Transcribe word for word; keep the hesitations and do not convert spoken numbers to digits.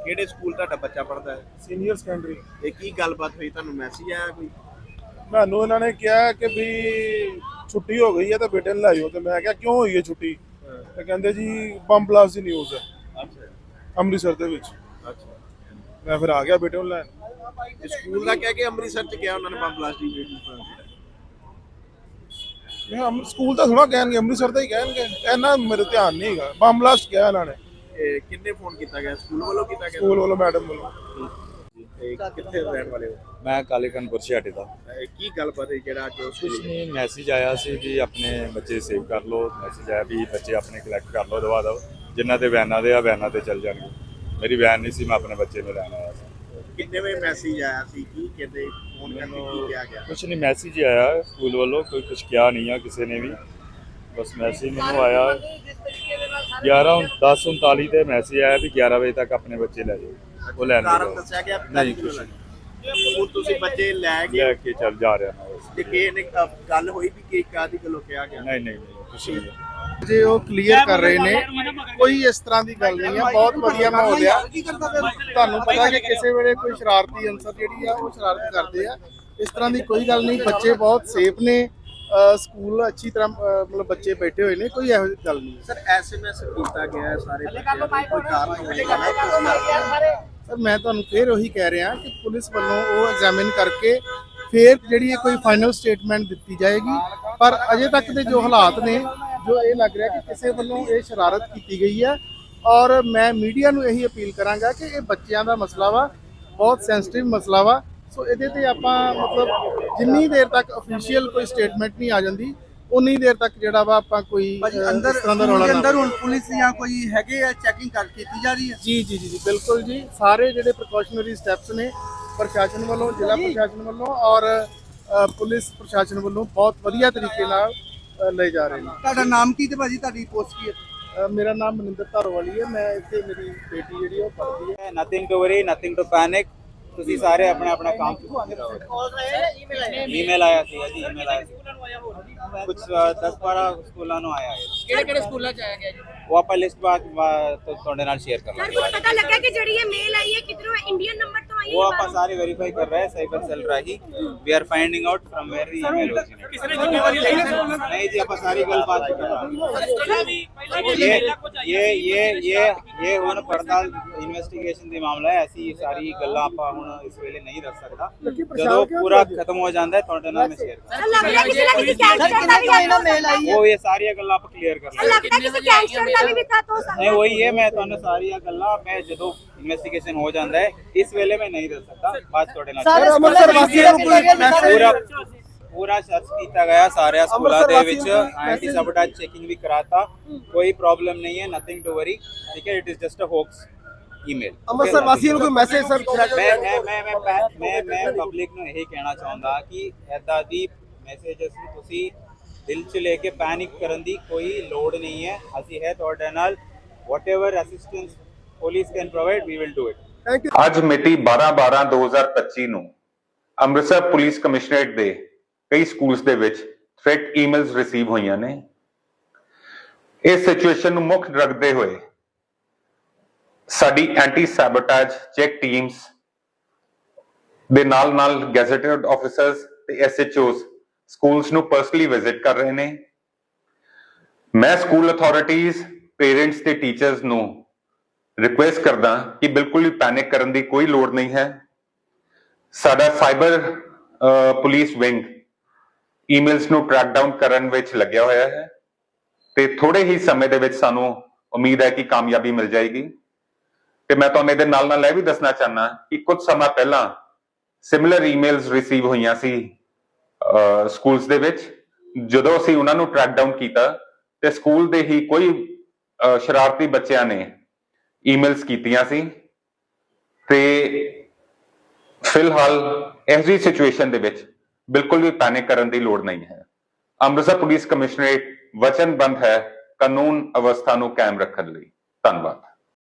ਕਿਹੜੇ ਸਕੂਲ ਤੁਹਾਡਾ ਬੱਚਾ ਪੜ੍ਹਦਾ ਹੈ? Senior secondary. ਇਹ ਕੀ ਗੱਲਬਾਤ ਹੋਈ, ਤੁਹਾਨੂੰ ਮੈਸੇਜ ਆਇਆ ਕੋਈ? ਮੈਨੂੰ ਇਹਨਾਂ ਨੇ ਕਿਹਾ ਕਿ ਵੀ ਛੁੱਟੀ ਹੋ ਗਈ ਹੈ ਤਾਂ ਬੇਟੇ ਨੂੰ ਲੈ ਜਾਓ, ਤੇ ਮੈਂ ਕਿਹਾ ਕਿਉਂ ਹੋਈ ਹੈ ਛੁੱਟੀ? ਤੇ ਕਹਿੰਦੇ ਜੀ ਬੰਬ ਬਲਾਸਟ ਦੀ ਨਿਊਜ਼ ਹੈ ਅੱਛਾ ਅੰਮ੍ਰਿਤਸਰ ਦੇ ਵਿੱਚ। ਅੱਛਾ, ਮੈਂ ਫਿਰ ਆ ਗਿਆ ਬੇਟੇ ਨੂੰ ਲੈਣ। ਸਕੂਲ ਦਾ ਕਹਿ ਕੇ ਅੰਮ੍ਰਿਤਸਰ ਚ ਗਿਆ ਉਹਨਾਂ ਨੇ ਬੰਬ ਬਲਾਸਟ ਦੀ ਵੀਡੀਓ। ਮੈਂ ਅੰਮ੍ਰਿਤ ਸਕੂਲ ਤਾਂ ਥੋੜਾ ਕਹਿਣਗੇ, ਅੰਮ੍ਰਿਤਸਰ ਦਾ ਹੀ ਕਹਿਣਗੇ, ਇਹਨਾਂ ਮੇਰੇ ਧਿਆਨ ਨਹੀਂ ਹੈਗਾ। ਬੰਬ ਬਲਾਸਟ ਕਿਹਾ ਇਹਨਾਂ ਨੇ। ਕਿੰਨੇ ਫੋਨ ਕੀਤਾ ਗਿਆ? ਸਕੂਲ ਵੱਲੋਂ ਕੀਤਾ ਗਿਆ? ਸਕੂਲ ਵੱਲੋਂ, ਮੈਡਮ ਵੱਲੋਂ। ਤੇ ਕਿੱਥੇ ਰਹਿਣ ਵਾਲੇ ਹੋ? ਮੈਂ ਕਾਲੇ ਕਾਨਪੁਰ ਛਿਆਟੇ ਦਾ। ਇਹ ਕੀ ਗੱਲਬਾਤ ਹੈ ਜਿਹੜਾ ਅੱਜ ਕੁਛ ਨਹੀਂ, ਮੈਸੇਜ ਆਇਆ ਸੀ ਵੀ ਆਪਣੇ ਬੱਚੇ ਸੇਵ ਕਰ ਲਓ। ਮੈਸੇਜ ਆਇਆ ਵੀ ਬੱਚੇ ਆਪਣੇ ਕਲੈਕਟ ਕਰ ਲਓ ਦਵਾ ਦਿਓ, ਜਿਨ੍ਹਾਂ ਦੇ ਵੈਨਾਂ ਦੇ ਆ ਵੈਨਾਂ ਤੇ ਚੱਲ ਜਾਣਗੇ। ਮੇਰੀ ਵੈਨ ਨਹੀਂ ਸੀ, ਮੈਂ ਆਪਣੇ ਬੱਚੇ ਨੂੰ ਲੈਣ ਆਇਆ ਸੀ। ਕਿੰਨੇ ਵਜੇ ਮੈਸੇਜ ਆਇਆ ਸੀ? ਕੀ ਕਹਿੰਦੇ ਫੋਨ ਕਰਕੇ ਕੀ ਕਿਹਾ ਗਿਆ? ਕੁਛ ਨਹੀਂ, ਮੈਸੇਜ ਹੀ ਆਇਆ ਸਕੂਲ ਵੱਲੋਂ, ਕੋਈ ਕੁਛ ਕਿਹਾ ਨਹੀਂ ਆ ਕਿਸੇ ਨੇ ਵੀ। ਬਸ ਮੈਸੇਜ ਮੈਨੂੰ ਆਇਆ ਗਿਆਰਾਂ ਦਸ ਉਨਤਾਲੀ ਤੇ ਮੈਸੇਜ ਆਇਆ ਵੀ ਗਿਆਰਾਂ ਵਜੇ ਤੱਕ ਆਪਣੇ ਬੱਚੇ ਲੈ ਜਾਓ। ਉਹ ਲੈਣ ਕਾਰਨ ਦੱਸਿਆ ਗਿਆ? ਨਹੀਂ ਕੁਛ ਹੁਣ ਤੁਸੀਂ ਬੱਚੇ ਲੈ ਲੈ ਗਏ ਕੇ ਚੱਲ ਜਾ ਰਿਹਾ ਮੈਂ ਬਸ। ਤੇ ਕਿਸੇ ਨੇ ਗੱਲ ਹੋਈ ਵੀ ਕਿ ਕਾਦੀ ਗੱਲੋਂ ਕਿਹਾ ਗਿਆ? ਨਹੀਂ ਨਹੀਂ ਨਹੀਂ ਕੁਛ ਨਹੀਂ। ਜੇ ਉਹ ਕਲੀਅਰ ਕਰ ਰਹੇ ਨੇ, ਕੋਈ ਇਸ ਤਰ੍ਹਾਂ ਦੀ ਗੱਲ ਨਹੀਂ ਹੈ। ਬਹੁਤ ਵਧੀਆ ਮਾਹੌਲ ਆ। ਤੁਹਾਨੂੰ ਪਤਾ ਕਿ ਕਿਸੇ ਵੇਲੇ ਕੋਈ ਸ਼ਰਾਰਤੀ ਅਨਸਰ ਜਿਹੜੀ ਆ ਉਹ ਸ਼ਰਾਰਤ ਕਰਦੇ ਆ। ਇਸ ਤਰ੍ਹਾਂ ਦੀ ਕੋਈ ਗੱਲ ਨਹੀਂ, ਬੱਚੇ ਬਹੁਤ ਸੇਫ ਨੇ। ਸਕੂਲ ਅੱਛੀ ਤਰ੍ਹਾਂ ਮਤਲਬ ਬੱਚੇ ਬੈਠੇ ਹੋਏ ਨੇ, ਕੋਈ ਇਹੋ ਜਿਹੀ ਗੱਲ ਨਹੀਂ। ਸਰ ਐਸਐਮਐਸ ਕੀਤਾ ਗਿਆ ਸਾਰੇ ਬੱਚਿਆਂ ਨੂੰ, ਕੋਈ ਕਾਰਨ ਹੋਵੇਗਾ? ਸਰ ਮੈਂ ਤੁਹਾਨੂੰ ਫੇਰ ਉਹੀ ਕਹਿ ਰਿਹਾ ਕਿ ਪੁਲਿਸ ਵੱਲੋਂ ਉਹ ਐਗਜ਼ਾਮਿਨ ਕਰਕੇ ਫੇਰ ਜਿਹੜੀ ਕੋਈ ਫਾਈਨਲ ਸਟੇਟਮੈਂਟ ਦਿੱਤੀ ਜਾਏਗੀ। ਪਰ ਅਜੇ ਤੱਕ ਦੇ ਜੋ ਹਾਲਾਤ ਨੇ, ਜੋ ਇਹ ਲੱਗ ਰਿਹਾ ਕਿ ਕਿਸੇ ਵੱਲੋਂ ਇਹ ਸ਼ਰਾਰਤ ਕੀਤੀ ਗਈ ਹੈ। ਔਰ ਮੈਂ ਮੀਡੀਆ ਨੂੰ ਇਹੀ ਅਪੀਲ ਕਰਾਂਗਾ ਕਿ ਇਹ ਬੱਚਿਆਂ ਦਾ ਮਸਲਾ ਵਾ, ਬਹੁਤ ਸੈਂਸਿਟਿਵ ਮਸਲਾ ਵਾ। ਸੋ ਇਹਦੇ ਤੇ ਆਪਾਂ ਮਤਲਬ ਜਿੰਨੀ ਦੇਰ ਤੱਕ ਅਫੀਸ਼ੀਅਲ ਕੋਈ ਸਟੇਟਮੈਂਟ ਨਹੀਂ ਆ ਜਾਂਦੀ, ਉਨੀ ਦੇਰ ਤੱਕ ਜਿਹੜਾ ਵਾ ਆਪਾਂ ਕੋਈ ਅੰਦਰ ਅੰਦਰ ਹੁਣ ਪੁਲਿਸ ਜਾਂ ਕੋਈ ਹੈਗੇ ਆ ਚੈਕਿੰਗ ਕਰ ਕੀਤੀ ਜਾ ਰਹੀ ਹੈ? ਜੀ ਜੀ ਜੀ ਬਿਲਕੁਲ ਜੀ। ਸਾਰੇ ਜਿਹੜੇ ਪ੍ਰੀਕਾਸ਼ਨਰੀ ਸਟੈਪਸ ਨੇ ਪ੍ਰਸ਼ਾਸਨ ਵੱਲੋਂ, ਜ਼ਿਲ੍ਹਾ ਪ੍ਰਸ਼ਾਸਨ ਵੱਲੋਂ ਔਰ ਪੁਲਿਸ ਪ੍ਰਸ਼ਾਸਨ ਵੱਲੋਂ ਬਹੁਤ ਵਧੀਆ ਤਰੀਕੇ ਨਾਲ ਲਏ ਜਾ ਰਹੇ ਨੇ। ਤੁਹਾਡਾ ਨਾਮ ਕੀ ਤੇ ਭਾਜੀ ਤੁਹਾਡੀ ਪੋਸਟ ਕੀ ਹੈ? ਮੇਰਾ ਨਾਮ ਮਨਿੰਦਰ ਧਾਰੋਵਾਲੀ ਹੈ। ਮੈਂ ਇੱਥੇ ਮੇਰੀ ਬੇਟੀ ਜਿਹੜੀ ਉਹ ਪੜ੍ਹਦੀ ਹੈ। Nothing to worry, nothing to panic. ਤੁਸੀਂ ਸਾਰੇ ਆਪਣਾ ਆਪਣਾ ਕੰਮ ਈਮੇਲ ਆਇਆ ਸੀ ਜੀ, ਈਮੇਲ ਆਇਆ ਸੀ ਕੁਝ ਦਸ ਬਾਰਾਂ ਸਕੂਲਾਂ ਨੂੰ ਆਇਆ ਹੈ। ਕਿਹੜੇ ਕਿਹੜੇ ਸਕੂਲਾਂ ਚ ਆਇਆ ਗਿਆ ਜੀ? ਉਹ ਆਪਾਂ ਲਿਸਟ ਬਾਅਦ ਤੁਹਾਡੇ ਨਾਲ ਸ਼ੇਅਰ ਕਰ ਲਾਂਗੇ। ਸਰ ਪਤਾ ਲੱਗਾ ਕਿ ਜਿਹੜੀ ਇਹ ਮੇਲ ਆਈ ਹੈ ਕਿਧਰੋਂ ਇੰਡੀਅਨ ਨੰਬਰ ਤੋਂ ਆਈ ਹੈ? वो आप सारे वेरीफाई कर रहे हैं, साइबर सेल राही। We are finding out from where the email originated. किसने जिम्मेवारी ली है? नहीं जी, आप सारी गल बात कर रहे हैं। ये ये ये ये ये हुन पड़ताल इन्वेस्टिगेशन दी मामला है। ऐसी सारी गल्लां ਆਪਾਂ ਹੁਣ ਇਸ ਵੇਲੇ ਨਹੀਂ ਰੱਖ ਸਕਦਾ। ਜਦੋਂ ਪੂਰਾ ਖਤਮ ਹੋ ਜਾਂਦਾ ਹੈ ਤੁਹਾਡੇ ਨਾਲ ਮੈਂ ਸ਼ੇਅਰ ਕਰਾਂਗਾ। ਲੱਗ ਰਿਹਾ ਕਿਸੇ ਨਾ ਕਿਸੇ ਗੈਂਗਸਟਰ ਦਾ ਵੀ ਇਹਨਾਂ ਮੇਲ ਆਈ ਹੈ। ਉਹ ਇਹ ਸਾਰੀਆਂ ਗੱਲਾਂ ਆਪਾਂ ਕਲੀਅਰ ਕਰ ਲਾਂਗੇ। ਲੱਗਦਾ ਕਿਸੇ ਗੈਂਗਸਟਰ ਦਾ ਵੀ ਵਿਖਾ ਤੋਂ ਸਕਦਾ। ਨਹੀਂ ਉਹੀ ਹੈ, ਮੈਂ ਤੁਹਾਨੂੰ ਸਾਰੀਆਂ ਗੱਲਾਂ ਮੈਂ ਜਦੋਂ ਇਨਵੈਸਟੀਗੇਸ਼ਨ ਹੋ ਜਾਂਦਾ ਹੈ ਇਸ ਵੇਲੇ ਮੈਂ ਨਹੀਂ ਦੱਸ ਸਕਦਾ। ਬਾਅਦ ਤੁਹਾਡੇ ਨਾਲ ਅੰਮ੍ਰਿਤਸਰ ਵਾਸੀਆਂ ਨੂੰ ਕੋਈ ਪੂਰਾ ਪੂਰਾ ਸਰਚ ਕੀਤਾ ਗਿਆ ਸਾਰਿਆਂ ਸਕੂਲਾਂ ਦੇ ਵਿੱਚ। ਐਂਟੀ ਸਬਟਾਜ ਚੈਕਿੰਗ ਵੀ ਕਰਾਤਾ, ਕੋਈ ਪ੍ਰੋਬਲਮ ਨਹੀਂ ਹੈ। ਨਥਿੰਗ ਟੂ ਵਰੀ, ਠੀਕ ਹੈ। It is just a hoax email. Amritsar ਵਾਸੀਆਂ ਨੂੰ ਕੋਈ ਮੈਸੇਜ ਸਰ? ਮੈਂ ਮੈਂ ਮੈਂ ਮੈਂ ਮੈਂ ਮੈਂ ਪਬਲਿਕ ਨੂੰ ਇਹੀ ਕਹਿਣਾ ਚਾਹੁੰਦਾ ਕਿ ਐਦਾਂ ਦੀ ਮੈਸੇजेस ਨੂੰ ਤੁਸੀਂ ਦਿਲ 'ਚ ਲੈ ਕੇ ਪੈਨਿਕ ਕਰਨ ਦੀ ਕੋਈ ਲੋੜ ਨਹੀਂ ਹੈ। ਅਸੀਂ ਹੈ ਤੁਹਾਡੇ ਨਾਲ। Whatever assistance police can provide, we will do it. ਅੱਜ ਮਿਤੀ ਬਾਰਾਂ ਬਾਰਾਂ ਦੋ ਹਜ਼ਾਰ ਪੱਚੀ ਨੂੰ ਅੰਮ੍ਰਿਤਸਰ ਪੁਲਿਸ ਕਮਿਸ਼ਨਰੇਟ ਦੇ ਕਈ ਸਕੂਲਸ ਦੇ ਵਿੱਚ ਥ੍ਰੈਟ ਈਮੇਲਸ ਰਿਸੀਵ ਹੋਈਆਂ ਨੇ। ਇਸ ਸਿਚੁਏਸ਼ਨ ਨੂੰ ਮੁੱਖ ਰੱਖਦੇ ਹੋਏ ਸਾਡੀ ਐਂਟੀ ਸੈਬੋਟੇਜ ਚੈੱਕ ਟੀਮਸ ਦੇ ਨਾਲ ਨਾਲ ਗੈਜ਼ਟਡ ਆਫੀਸਰਸ ਤੇ ਐਸਐਚਓਸ ਸਕੂਲਸ ਨੂੰ ਪਰਸਨਲੀ ਵਿਜ਼ਿਟ ਕਰ ਰਹੇ ਨੇ। ਮੈਂ ਸਕੂਲ ਅਥਾਰਟੀਜ਼, ਪੇਰੈਂਟਸ ਤੇ ਟੀਚਰਸ ਨੂੰ ਰਿਕੁਐਸਟ ਕਰਦਾ ਕਿ ਬਿਲਕੁਲ ਵੀ ਪੈਨਿਕ ਕਰਨ ਦੀ ਕੋਈ ਲੋੜ ਨਹੀਂ ਹੈ। ਸਾਡਾ ਸਾਈਬਰ ਪੁਲਿਸ ਵਿੰਗ ਈਮੇਲਸ ਨੂੰ ਟਰੈਕ ਡਾਊਨ ਕਰਨ ਵਿੱਚ ਲੱਗਿਆ ਹੋਇਆ ਹੈ ਤੇ ਥੋੜੇ ਹੀ ਸਮੇਂ ਦੇ ਵਿੱਚ ਸਾਨੂੰ ਉਮੀਦ ਹੈ ਕਿ ਕਾਮਯਾਬੀ ਮਿਲ ਜਾਏਗੀ। ਤੇ ਮੈਂ ਤੁਹਾਨੂੰ ਇਹਦੇ ਨਾਲ ਨਾਲ ਇਹ ਵੀ ਦੱਸਣਾ ਚਾਹੁੰਦਾ ਕਿ ਕੁਝ ਸਮਾਂ ਪਹਿਲਾਂ ਸਿਮਿਲਰ ਈਮੇਲਸ ਰਿਸੀਵ ਹੋਈਆਂ ਸੀ ਸਕੂਲਸ ਦੇ ਵਿੱਚ। ਜਦੋਂ ਅਸੀਂ ਉਹਨਾਂ ਨੂੰ ਟਰੈਕ ਡਾਊਨ ਕੀਤਾ ਤੇ ਸਕੂਲ ਦੇ ਹੀ ਕੋਈ ਸ਼ਰਾਰਤੀ ਬੱਚਿਆਂ ਨੇ ਈਮੇਲਸ ਕੀਤੀਆਂ ਸੀ। ਤੇ ਫਿਲਹਾਲ ਇਸ ਦੀ ਸਿਚੁਏਸ਼ਨ ਦੇ ਵਿੱਚ ਬਿਲਕੁਲ ਵੀ ਪੈਨਿਕ ਕਰਨ ਦੀ ਲੋੜ ਨਹੀਂ ਹੈ। ਅੰਮ੍ਰਿਤਸਰ ਪੁਲਿਸ ਕਮਿਸ਼ਨਰੇਟ ਵਚਨਬੱਧ ਹੈ ਕਾਨੂੰਨ ਅਵਸਥਾ ਨੂੰ ਕਾਇਮ ਰੱਖਣ ਲਈ। ਧੰਨਵਾਦ।